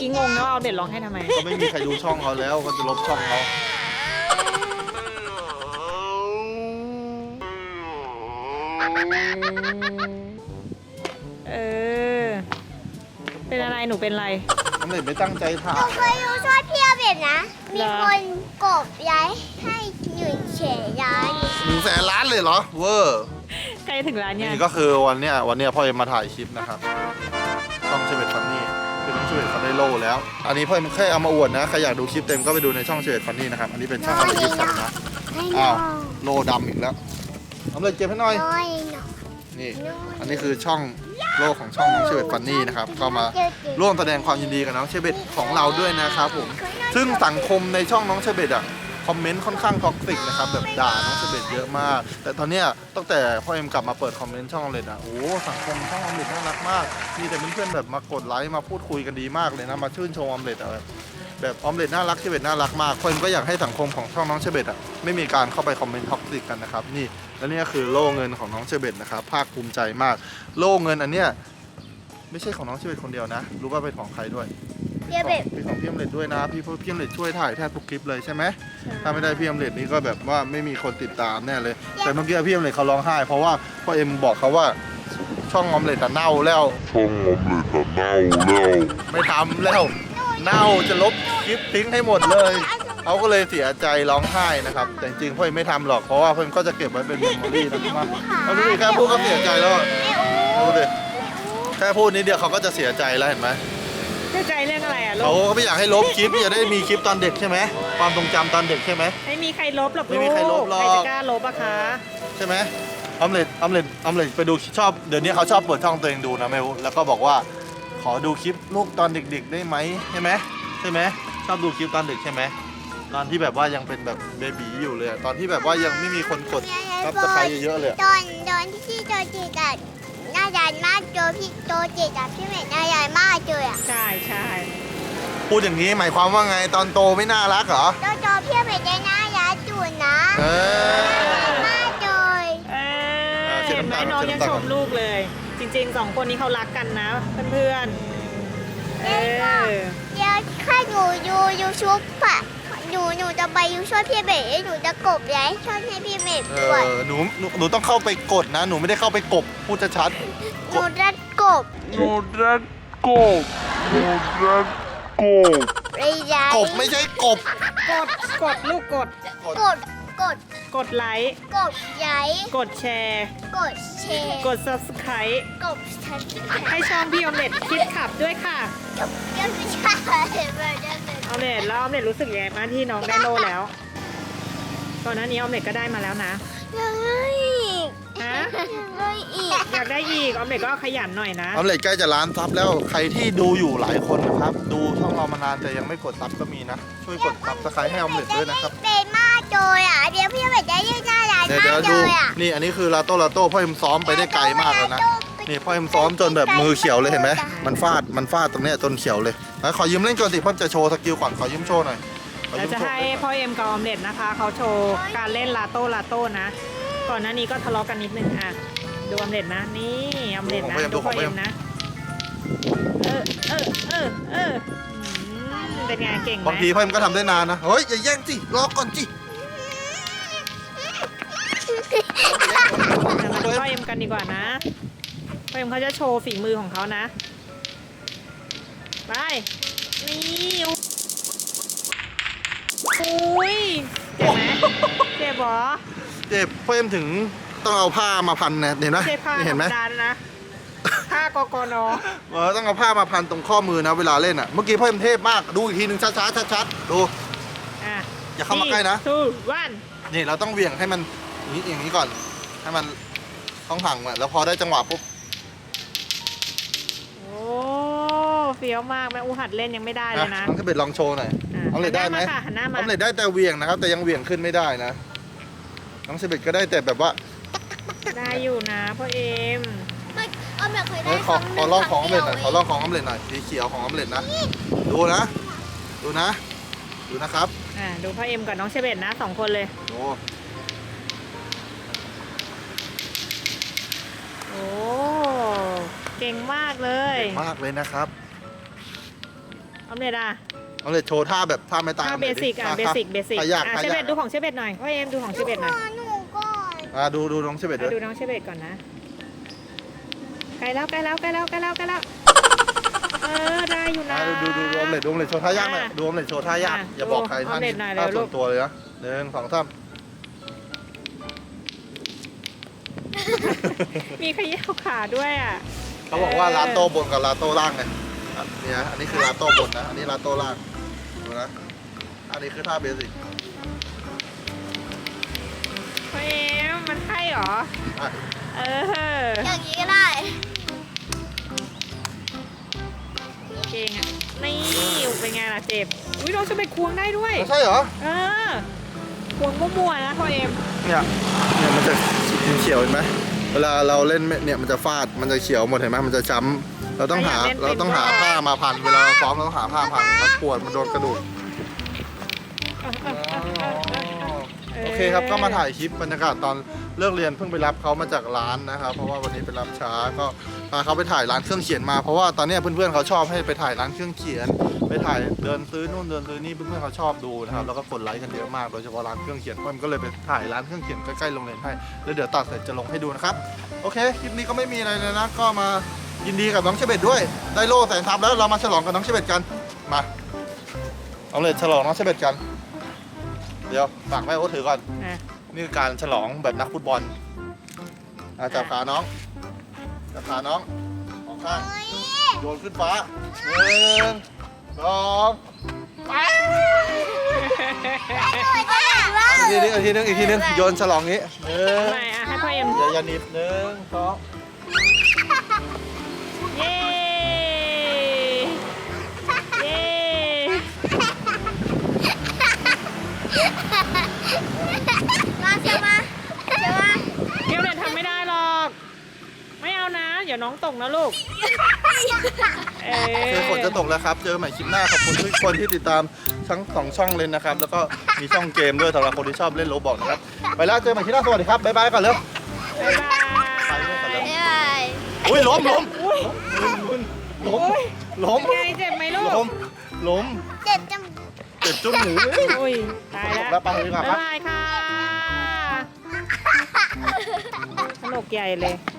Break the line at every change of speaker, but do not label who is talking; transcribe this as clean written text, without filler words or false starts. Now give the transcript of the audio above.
กี้งงนะว่าเอาเด็ดร้องให้ทำไม
ก็ไม่มีใครดูช่องเขาแล้วก็จะลบช่องเขา
เออเป็นอะไรหนูเป็นอะไร
ออมเล็ตไม่ตั้งใจถ่า
หนู
ย
เคยดูช่วยพี่แบบนะ มี
เหรอ
คนกบย้ายให้หนึ่งเฉยย้าย
100,000 ล้านเลยเหรอเวอร์
ใกล้ถึงร้านยัง
นี่ก็คือวันเนี้ยพ่อเอ็มมาถ่ายคลิปนะครับช่องเชเวตฟันนี่คือน้องเชเวตเขาได้โล่แล้ว อันนี้พ่อเอ็มแค่เอามาอวดนะใครอยากดูคลิปเต็มก็ไปดูในช่องเชเวตฟันนี่นะครับอันนี้เป็นช่องอะไรยิปสันนะ
ให้
อ้าว
น้อง
โลดำอีกแล้วออมเล็ตเก็บให้หน่อย
น้อยหน่อย
นี่อันนี้คือช่องโลกของช่องน้องเชเวตฟันนี่นะครับก็มาร่วมแสดงความยินดีกับน้องเชเวตของเราด้วยนะครับผมซึ่งสังคมในช่องน้องเชเวตอ่ะคอมเมนต์ค่อนข้างท็อกซิกนะครับแบบด่าน้องเชเวตเยอะมาก แต่ตอนเนี้ยตั้งแต่พ่อเอ็มกลับมาเปิดคอมเมนต์ช่องออมเล็ตอ่ะโอ้สังคมช่องออมเล็ตน่ารักมากมีแต่เพื่อนๆแบบมากดไลค์มาพูดคุยกันดีมากเลยนะมาชื่นชมออมเล็ตอะแบบออมเล็ตน่ารักเชเวตน่ารักมากพ่อเอ็มก็อยากให้สังคมของช่องน้องเชเวตอ่ะไม่มีการเข้าไปคอมเมนต์ท็อกซิกกันนะครับนี่และนี่ก็คือโล่เงินของน้องเชเวตนะครับภาคภูมิใจมากโล่เงินอันเนี้ยไม่ใช่ของน้องเชเวตคนเดียวนะรู้ว่าเป็นของใครด้วย
พี่แบบ
เป็นของพี่ออมเล็ตด้วยนะพี่ออมเล็ตช่วยถ่ายแทบทุกคลิปเลยใช่ไหมถ้าไม่ได้พี่ออมเล็ตนี่ก็แบบว่าไม่มีคนติดตามแน่เลย แต่เมื่อกี้พี่ออมเล็ตเขาร้องไห้เพราะว่าพ่อเอ็มบอกเขาว่าช่องออมเล็ตอะเน่าแล้ว
ช่องออมเล็ตอะเน่าแล้ว
ไม่ทำแล้วเน่าจะลบคลิปทิ้งให้หมดเลยเขาก็เลยเสียใจร้องไห้นะครับแต่จริงๆพ่อเอ็มไม่ทำหรอกเพราะว่าพ่อเอ็มก็จะเก็บไว้เป็นเมมโมรี่นะครับเอาดูดิแค่พูดก็เสียใจแล้วอะดูดิแค่พูดนิดเดียวเขาก็จะเสียใจแล้วเห็นไหม
เสียใจเรื่องอะไรอ่ะลู
เขา
ก
ก็ไม่อยากให้ลบคลิปจะได้มีคลิปตอนเด็กใช่ไหมความทรงจำตอนเด็กใช่ไหม
ไม่มีใครลบหรอก
ไม่มีใครลบหรอก
ใครจะกล้าลบอะคะ
ใช่ไหมออมเล็ตไปดูชอบเดี๋ยวนี้เขาชอบเปิดช่องตัวเองดูนะไม่รู้แล้วก็บอกว่าขอดูคลิปลูกตอนเด็กๆได้ไหมใช่ไหมชอบดูคลิปตอนเด็กใช่ไหมตอนที่แบบว่ายังเป็นแบบเบบีอยู่เลยอะตอนที่แบบว่ายังไม่มีคนกดซับสไครต์เยอะๆเลยอะ
ตอนที่โจจิตอะน่ารักมากพี่โจจิตอะพี่เมย์น่ารักมากเลยอะ
ใช่ใช่
พูดอย่างนี้หมายความว่าไงตอนโตไม่น่ารักเหรอ
โจพี่เมย์ได้น่ารักจุดนะ
เออ
มากเลย
เห็นไหมน้องยังชมลูกเลย จริงๆสองคนนี้เขารักกันนะเพื่อนๆเออ
เดี๋ยวถ้าหนูดูยูทูบอะหนูจะไปยูช่วยพี่เมย์หนูจะกบย้ายช่วยให้พี่เมย์ด้วย
หนูต้องเข้าไปกดนะหนูไม่ได้เข้าไปกบพูดชัด
หนูจะกบ
โนรักโกบโนรักโกบ
ระยะ
ๆกบไม่ใช่กบ
กดลูกกด
กด
กดไลค์
กดย้าย
กดแชร์
กดแชร์
กด subscribe
กดทันที
ให้ช่องพี่ออมเล็ตคิดขับด้วยค่ะ
ยังไม่ใช่แบบนั้น
ออมเล็ตแล้วออมเล็ตรู้สึกยังไงบ้างที่น้องได้โล่แล้วก่อนหน้านี้ออมเล็ตก็ได้มาแล้วนะ
ยังไงอีก
ฮะ
ยังไงอีก
อยากได้อีกออมเล็ตก็ขยันหน่อยนะ
ออมเล็ตใกล้จะล้านซับแล้วใครที่ดูอยู่หลายคนนะครับ ดูช่องเรามานานแต่ยังไม่กดซับก็มีนะ ช่วยกดซับสไครต์ให้ออมเล็ตด้วยนะครับ
เป็นมากเลยอ่ะเดี๋ยวพี่แบบจะยืดหน้าร้าน
เดี๋ยว
มาก
ดู
เลยอ่ะ
นี่อันนี้คือลาโต้พ่อเอ็มซ้อมไปได้ไกลมากเลยนะนี่พ่อเอ็มซ้อมจนแบบมือเขียวเลยเห็นไหมมันฟาดตรงเนี้ยจนเขียวเลยแล้วขอยืมเล่นก่อนสิพ่อจะโชว์สกิลก่อนขอยืมโชว์หน่อยขอ
เรา
ยืม
จะ
โชว์
ให้พ่อเอ็มกับออมเล็ตนะคะเขาโชว์การเล่นลาโต้นะ ก่อนหน้านี้ก็ทะเลาะกันนิดนึงอ่ะดูออมเล็ตนะนี่ออมเล็ตนะดูพ่อเอ็มนะเป็นไงเก่งไหม
บางทีพ่อเอ็มก็ทำได้นานนะเฮ้ยอย่าแย่งสิรอก่อนสิ
มาดูพ่อเอ็มกันดีกว่านะพ่อเอ็มเขาจะโชว์ฝีมือของเขานะไปนี่อุ้ยเจ็บไหมเจ็บเหรอ
เจ็บพ่อเอ็มถึงต้องเอาผ้ามาพันนะเห็นไหม
เจ็บผ้าธร
เห็น
ร
ไห
ม
ม
ดานะผ้ากกน
ต้องเอาผ้ามาพันตรงข้อมือนะเวลาเล่นอ่ะเมื่อกี้พ่อเอ็มเทพมากดูอีกทีหนึ่งช้าๆชัดๆดู
อ่ะ
อย่าเข้ามาใกล้นะ
2 1
นี่เราต้องเหวี่ยงให้มันอย่างนี้ก่อนให้มันต้องห่างอ่ะแล้วพอได้จังหวะปุ๊บ
โอ้เฟี้ยวมากแม่อูหัดเล่นยังไม่ได้เลยนะ
น้องเทเบตลองโชว์หน่อย
อ่ะ
เอาเลยได้ไหม
หันน้ามา
น้องเลยได้แต่เหวี่ยงนะครับ แต่ยังเหวี่ยงขึ้นไม่ได้นะน้องเทเบตก็ได้แต่แบบว่า
ได้อยู่นะพ่อเอ็ม
ไม่เอาแบบเคยได้
เฮ้ยขอลองของออมเล็ตหน่อยขอลองของออมเล็ตหน่อยสีเขียวของออมเล็ตนะดูนะครับ
ดูพ่อเอ็มกับน้องเชเบตนะ2 คนเลย
โอ้
โอ้เก่งมากเลย
มากเลยนะครับ
ออมเล็ตอ่ะ
เอาเลยโชว์ท่าแบบท่าไม่ตาย
ท่าเบสิกอ่ะเบสิก
ท่ายาก
อ่ะ
ท่า
เชเบ
ยาก
ตดูของเชเบตหน่อยพ่อเอ็มดูของเชเบตหน่อย
หนูก่อน
ดูน้องเชเบตด้วย
ดูน้องเชเบตก่อนนะใกล้แล้วได้อยู่นะ
ดูออมเล็ตดูออมเล็ตโชว์ท่ายากหน่อยดูออมเล็ตโชว์ท่ายากอย่าบอกใคร
ออมเล็ตหน่อยเร็
ท่าว
ลู
ส่ว
ก
นตัวเลยนะ1 2 3
มีขยี้ขาด้วยอ่ะ
เขาบอกว่าลาโต้บนกับลาโต้ล่างไงเนี่ยอันนี้คือลาโต้บนนะอันนี้ลาโต้ล่างดูนะอันนี้คือท่าเบสิก
พ่อเอ็มมันใช่เหรอ
อ่ะ
อย่างนี้ก็ได้
เก่งอ่ะนี่เป็นไงล่ะเจ็บอุ้ยน้องเชเบตควงได้ด้วย
ไม่ใช่เหรอ
ควงมั่วๆนะพ่อเอ็ม
เนี่ยมันจะเขียวเห็นไหมเวลาเราเล่นเนี่ยมันจะฟาดมันจะเขียวหมดเห็นไหมมันจะช้ำเราต้องหาผ้ามาพันเวลาเราซ้อมเราต้องหาผ้าพันมันปวดมันโดนกระดูกโอเคครับก็มาถ่ายคลิปบรรยากาศตอนเลิกเรียนเพิ่งไปรับเขามาจากร้านนะครับเพราะว่าวันนี้ไปรับช้าก็พาเขาไปถ่ายร้านเครื่องเขียนมาเพราะว่าตอนนี้เพื่อนๆเขาชอบให้ไปถ่ายร้านเครื่องเขียนไปถ่ายเดินซื้อนู่นเดินซื้อนี่เพื่อนๆเขาชอบดูนะครับแล้วก็กดไลค์กันเยอะมากโดยเฉพาะร้านเครื่องเขียนมันก็เลยไปถ่ายร้านเครื่องเขียนใกล้ๆโรงเรียนให้แล้วเดี๋ยวตัดเสร็จจะลงให้ดูนะครับโอเคคลิปนี้ก็ไม่มีอะไรเลยนะก็มายินดีกับน้องเชเบตด้วยได้โล่แสนทัพแล้วเรามาฉลองกับน้องเชเบตกันมาเอาเลยฉลองน้องเชเบตกันเดี๋ยวฝากแม่โอ๊ตถือก่อน นี่คือการฉลองแบบนักฟุตบอลจับขาน้องจับขาน้องออกข้างโยนขึ้นฟ้า1 2อีกทีนึงโยนฉลองนี้
ทำไมอ่ะให้พ่อเอ็ม
อย่าหนีบ1 2
เย้เย้
มาเชียวมา
เดี๋ยวเด็ทำไม่ได้หรอกไม่เอานะเดี๋ยวน้องตกนะลูก
ฝนจะตกแล้วครับเจอใหม่คลิปหน้าขอบคุณทุกคนที่ติดตามทั้ง2ช่องเลยนะครับแล้วก็มีช่องเกมด้วยสำหรับคนที่ชอบเล่นโรบอทนะครับไปแล้วเจอใหม่คลิปหน้าสวัสดีครับบ๊ายบายก่อนเร็ว
บ๊ายบาย
อุ้ยล้ม
ไงเจ็บไหมลูก
ล้ม
เจ็บจัง
เจ็บจุ้งหมู
อุ้ยตาย
จบ
แล้
แล้ว วไปดีกว่า
บ๊ายบายค่ะสนุกใหญ่เลย